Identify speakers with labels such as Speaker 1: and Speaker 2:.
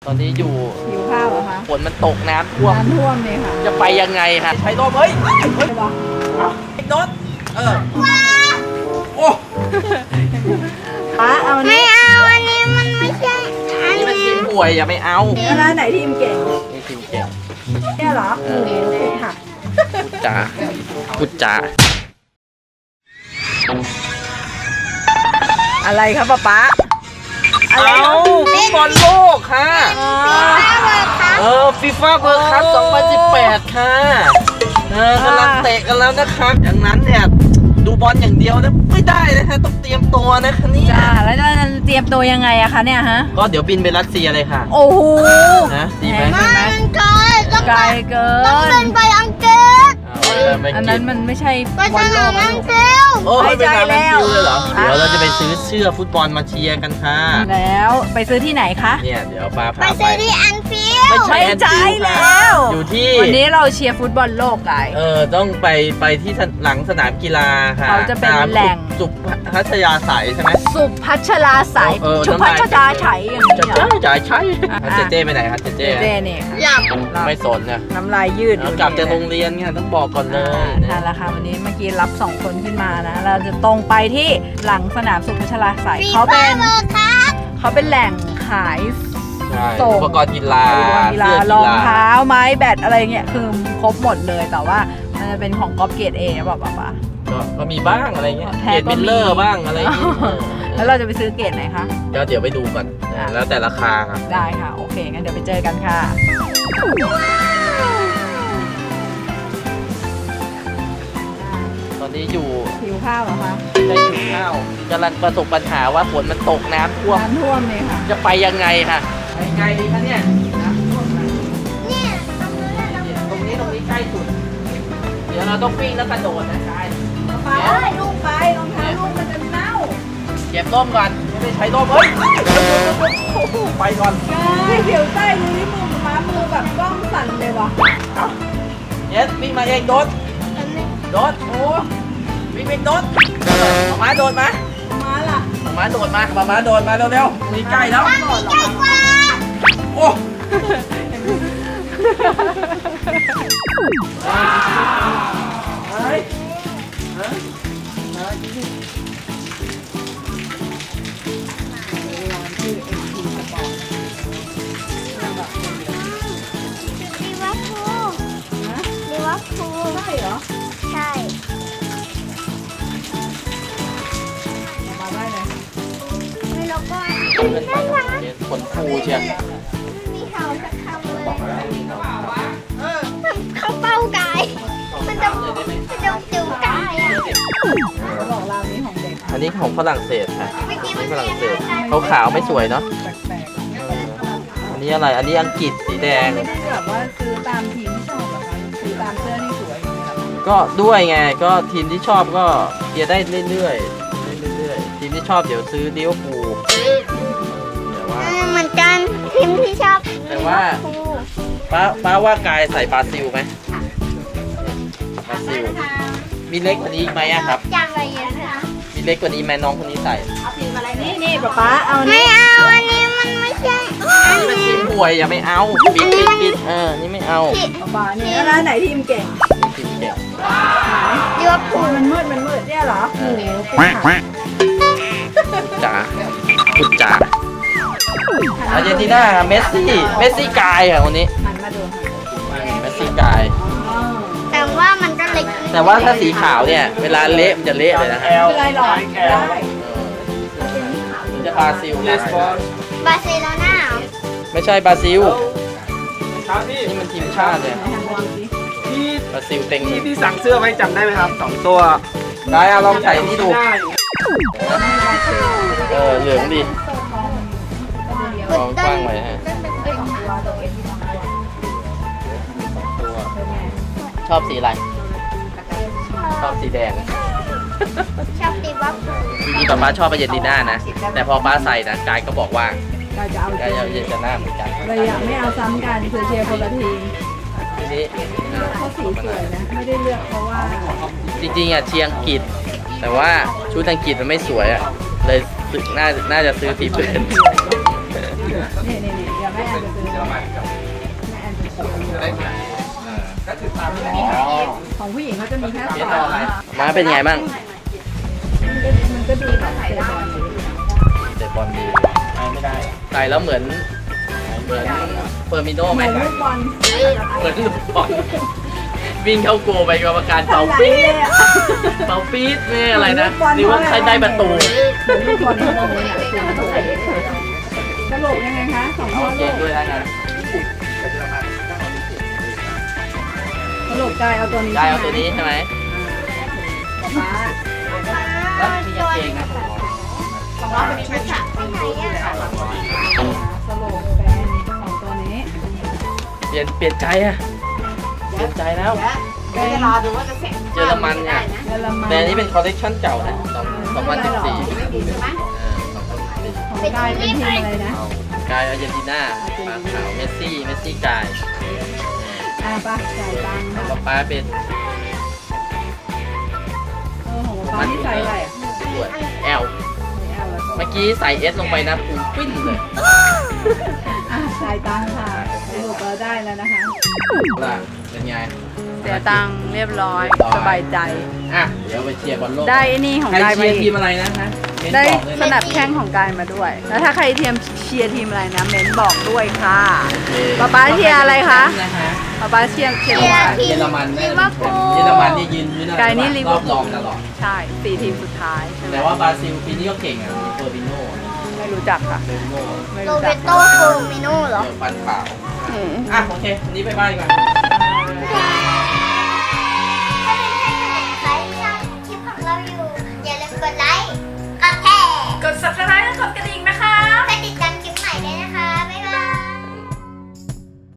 Speaker 1: ตอนนี้อยู่
Speaker 2: หิวข้าวเหรอคะ
Speaker 1: ฝนมันตกน้ำท่วม
Speaker 2: เลยค่ะ
Speaker 1: จะไปยังไงคะใช้ร่มเฮ้ยโน้ตโอ้
Speaker 2: เอา
Speaker 3: ไม่เอาอันนี้มันไม่ใช่อัน
Speaker 1: นี้มันทีมป่วยอย่าไม่เอา
Speaker 2: แล้วไหนทีมเก่ง
Speaker 1: นี่ทีมเก่ง
Speaker 2: เนี่ยเหรอค่ะ
Speaker 1: พูดจา
Speaker 2: อะไรครับป๊า
Speaker 1: เอาฟุตบอลโลกค่ะฟีฟ่าเวิลด์คัพ2018ค่ะกำลังเตะกันแล้วนะครับอย่างนั้นเนี่ยดูบอลอย่างเดียวนะไม่ได้นะฮะต้องเตรียมตัวนะคะนี่
Speaker 2: จ้าแล้วจะเตรียมตัวยังไงอะคะเนี่ยฮะ
Speaker 1: ก็เดี๋ยวบินไปรัสเซียเลยค่ะ
Speaker 2: โอ้โห
Speaker 1: นะดีไหม
Speaker 3: มันไกล
Speaker 2: เกิน
Speaker 3: ต้องเดินไปอังกฤษ
Speaker 2: อันนั้นมันไม่ใช่
Speaker 3: บอลโลกอังกฤษ
Speaker 1: ไม่ใช่แล้วเดี๋ยวเราจะไปซื้อเสื้อฟุตบอลมาเชียร์กันค่ะ
Speaker 2: แล้วไปซื้อที่ไหนคะ
Speaker 1: เนี่ยเดี๋ยวป้าพา
Speaker 3: ไปซื้อที่แอนฟิลด์
Speaker 1: ไม่ใช่แล้วอยู่ที่
Speaker 2: วันนี้เราเชียร์ฟุตบอลโลกกัน
Speaker 1: ต้องไปที่หลังสนามกีฬาค่ะ
Speaker 2: เขาจะเป็นแหล่ง
Speaker 1: สุพัชยาสายใช่ไหม
Speaker 2: สุพัชราสายชุพัชราไฉอย่างนี้
Speaker 1: ใช่เจ๊ไปไหนครับเจ๊
Speaker 2: เนี่ย
Speaker 3: หลับ
Speaker 1: ไม่สนนะ
Speaker 2: น้ำลายยืด
Speaker 1: กลับจากโรงเรียนไงต้องบอกก่อนเลย
Speaker 2: นั่นแหละค่ะวันนี้เมื่อกี้รับ2คนขึ้นมานะเราจะตรงไปที่หลังสนามสุพัชราสายเขาเป็นแหล่งขาย
Speaker 1: ส่งอุปกรณ์กีฬ
Speaker 2: ารองเท้าไม้แบดอะไรเงี้ยคือครบหมดเลยแต่ว่ามันจะเป็นของก๊อปเกรดเอนะบอกป่ะ
Speaker 1: ก็มีบ้างอะไรเงี้ยเกรดมิลเลอร์บ้างอะไรเงี้ย
Speaker 2: แล้วเราจะไปซื้อเกรดไหนคะ
Speaker 1: เดี๋ยวไปดูก่อนแล้วแต่ราคาครับ
Speaker 2: ได้ค่ะโอเคงั้นเดี๋ยวไปเจอกันค่ะ
Speaker 1: ตอนนี้อยู่
Speaker 2: หิวข้าวเหรอคะ
Speaker 1: ได้หิวข้าวกำลังประสบปัญหาว่าฝนมันตกน้ำท่วม
Speaker 2: เลยค่ะ
Speaker 1: จะไปยังไงค่ะไปไงดีคะเนี่ยน้ำท่วม
Speaker 3: เนี่ย
Speaker 1: ตรงนี้ใกล้สุดเดี๋ยวเราต้องวิ่งแล้วกระโดดนะกาย
Speaker 2: ไปลูกไปรองเท้าลูกมันจะเน่า
Speaker 1: เก็บร่มก่อนไม่ได้ใช้ร่มเฮ้ยไปก่อน
Speaker 2: เดี๋ยวใต้มือนี่มือแบบกล้องสั่นเลยวะ
Speaker 1: เย็ดวิ่งมาเองโดดโอ้วิ่งโดดมาโดดมา
Speaker 2: ล่ะ
Speaker 1: มาโดดมาโดดมาเร็วๆนี่ใกล้แล้วโอ้
Speaker 2: ใช่เหรอ
Speaker 3: ใช่
Speaker 2: มาได้เลย
Speaker 3: ไม่รู้ก็
Speaker 1: ขนฟูเชียว
Speaker 3: มีเขาจะทำเลยเขาเป้ากายมันจะจุ่มกายอ่ะ
Speaker 2: บอกเรานี้ของเด็ก
Speaker 1: อันนี้ของฝรั่งเศสค่ะฝรั่งเศสขาวไม่สวยเนาะอันนี้อะไรอันนี้อังกฤษสีแดง
Speaker 2: ไม่ได้แบบว่าซื้อตามทีมที่ชอบแบบซื้อตามเสื้อที่สวย
Speaker 1: ก็ด้วยไงก็ทีมที่ชอบก็เชียร์ได้เรื่อยทีมที่ชอบเดี๋ยวซื้อลิเวอร์พูล
Speaker 3: เหมือนกันทีมที่ชอบ
Speaker 1: แต่ว่าป้าว่ากายใส่บราซิลไหมบราซิลมีเล็กกว่านี้ไหมครับ
Speaker 3: จังเลยนะคะ
Speaker 1: มีเล็กกว่านี้ไหมน้องคนนี้ใส่
Speaker 2: เอาทีมอะไรนี่ป๊าเอา
Speaker 3: ไม่เอาอันนี้มันไม่ใช่
Speaker 1: อันนี้เป็นทีมป่วยอย่าไม่เอาปิดนี่ไม่เอา
Speaker 2: ป๊านี่แล้วไหนทีมเก่ง
Speaker 3: ลิเวอร์พูล
Speaker 2: มันมืดเนี่ยเหรอโอ้โห
Speaker 1: จ๋าพูดจ๋าอาร์เจนตินาเมสซี่กายค่ะคนนี้
Speaker 2: หันมาดู
Speaker 1: เมสซี่กาย
Speaker 3: แต่ว่ามันก็เล็ก
Speaker 1: แต่ว่าถ้าสีขาวเนี่ยเวลาเละมันจะเละเลยนะฮะ
Speaker 2: ไม่เป็นไรหรอกได้
Speaker 1: จะบราซิล
Speaker 3: บราซิลน่า
Speaker 1: ไม่ใช่บราซิลนี่มันทีมชาติเลยบราซิลเต็ง
Speaker 4: ที่สั่งเสื้อไว้จำได้ไหมครับ2ตัว
Speaker 1: ได้ลองใส่นี่ดูเหลืองดีลองกว้างไว้ฮะชอบสีอะไรชอบสีแดง
Speaker 3: ชอบสีวัฟ
Speaker 1: จริงๆป้าชอบอาร์เจนตินานะแต่พอป้าใส่นะกายก็บอกว่ากายจะเอาอาร์เจนตินาเหมือนกัน
Speaker 2: เลยอยากไม่เอาซ้ำกันเชียร์คนละทีม
Speaker 1: ทีนี้
Speaker 2: เขาสีสวยนะไม่ได้เลือกเพราะว่า
Speaker 1: จริงๆเชียร์อังกฤษแต่ว่าชุดอังกฤษมันไม่สวยเลยน่าจะซื้อทีมอื่น
Speaker 2: นี่ยังแม่แอนจะซื้อ
Speaker 4: เยอรมันกับ
Speaker 2: แม่แอนจะซื้อ
Speaker 4: จะได้ขนาดนี้ก็ถือตามนี้
Speaker 2: ของผู้หญิงเขาจะมีแค่
Speaker 4: เปลี่ยน
Speaker 2: ส
Speaker 4: ต่
Speaker 2: อ
Speaker 4: อง อะไร
Speaker 1: มาเป็นไงบ้าง
Speaker 2: มันก็ดีแบบใส่ได้
Speaker 1: เตะบอลดี
Speaker 4: ไม่ได้
Speaker 1: ใส่แล้วเหมือนเฟอร์มิโน่ไหม
Speaker 2: เหมือนลูกบอล
Speaker 1: เหมือนลูกบอลวิ่งเข้าโกลไปกรรมการเป่าปี๊ดเป่าปี๊ดไม่อะไรนะหรือว่าใครได้ประตู
Speaker 2: เหมือนลูกบอลทั้งหมดเลยสรุปยังไงคะสอง
Speaker 1: เอา
Speaker 2: ข้อ
Speaker 1: เกงด้วยนะงั้น
Speaker 2: สรุปกายเอาตัวนี้
Speaker 1: ได้เอาตัวนี้ใช่ไหม
Speaker 2: ฟ้า
Speaker 1: แล้วมีกางเกงนะ
Speaker 3: ของเราเป็นชุดอะไปไหนอะ
Speaker 2: สรุปเป็นสองตัวนี้
Speaker 1: เปลี่ยนใจอะเปลี่ยนใจแล้ว
Speaker 2: เป็น
Speaker 1: เยอรมันเนี่ย
Speaker 2: เยอรมัน
Speaker 1: แต่อันนี้เป็นคอลเลคชันเก่านะ2014
Speaker 2: ของกายเป็นทีมอะไรนะ
Speaker 1: กายอาร์เจนตินาปากขาวเมสซี่กาย
Speaker 2: ป้าจ่ายตังค์
Speaker 1: ของ
Speaker 2: ค่ะ
Speaker 1: ป้าเป็น
Speaker 2: ของป้าที่ใส่อะไรอ่ะ
Speaker 1: ส่วน L
Speaker 2: ไม่เอาแล้ว
Speaker 1: เมื่อกี้ใส่ S ลงไปนะปูปิ้นเลย
Speaker 2: จ่ายตังค์ค่ะสรุปเราได้แล้วนะคะ
Speaker 1: ล่ะเป็นไง
Speaker 2: เสียตังค์เรียบร้อยสบายใจ
Speaker 1: อ่ะเดี๋ยวไปเชียร์บอลโลก
Speaker 2: ได้ไอ้นี่ของ
Speaker 1: ใคร
Speaker 2: กาย
Speaker 1: เชี
Speaker 2: มาย
Speaker 1: ร์ที
Speaker 2: อีก
Speaker 1: มอะไรนะฮะเม้น
Speaker 2: ได้
Speaker 1: บอกเลย
Speaker 2: ส
Speaker 1: นะ
Speaker 2: นับแข้งของกายมาด้วย แล้วถ้าใครเชียร์ทีมอะไรนะเม้นบอกด้วยค่ะ ป๊าเชียร์อะไรคะ ป๊าเชียร์
Speaker 1: เยอรมันแน่เลยเยอรมันนี่ยืนพื้น
Speaker 2: กายนี่ลิ
Speaker 1: ร
Speaker 2: เวอ
Speaker 1: อ
Speaker 2: ร์
Speaker 1: บ
Speaker 2: พูล
Speaker 1: รองตลอด
Speaker 2: ใช่4ทีมสุดท้ายใช่ไหม
Speaker 1: แต่ว่าบราซิลปีนี้ก็เก่งอ่ะมีเฟอร์บิโน่
Speaker 2: ไม่รู้จักค่ะ
Speaker 1: เฟอร์บิโน่
Speaker 2: ไม่
Speaker 3: โร
Speaker 2: รู้
Speaker 3: เบ
Speaker 2: จัก
Speaker 3: โตโฟมิโน่เหรอ
Speaker 1: เดี๋ยวฟันขาว
Speaker 2: อืม
Speaker 1: อ่ะโอเควันนี้ไปบ้านดีกว่า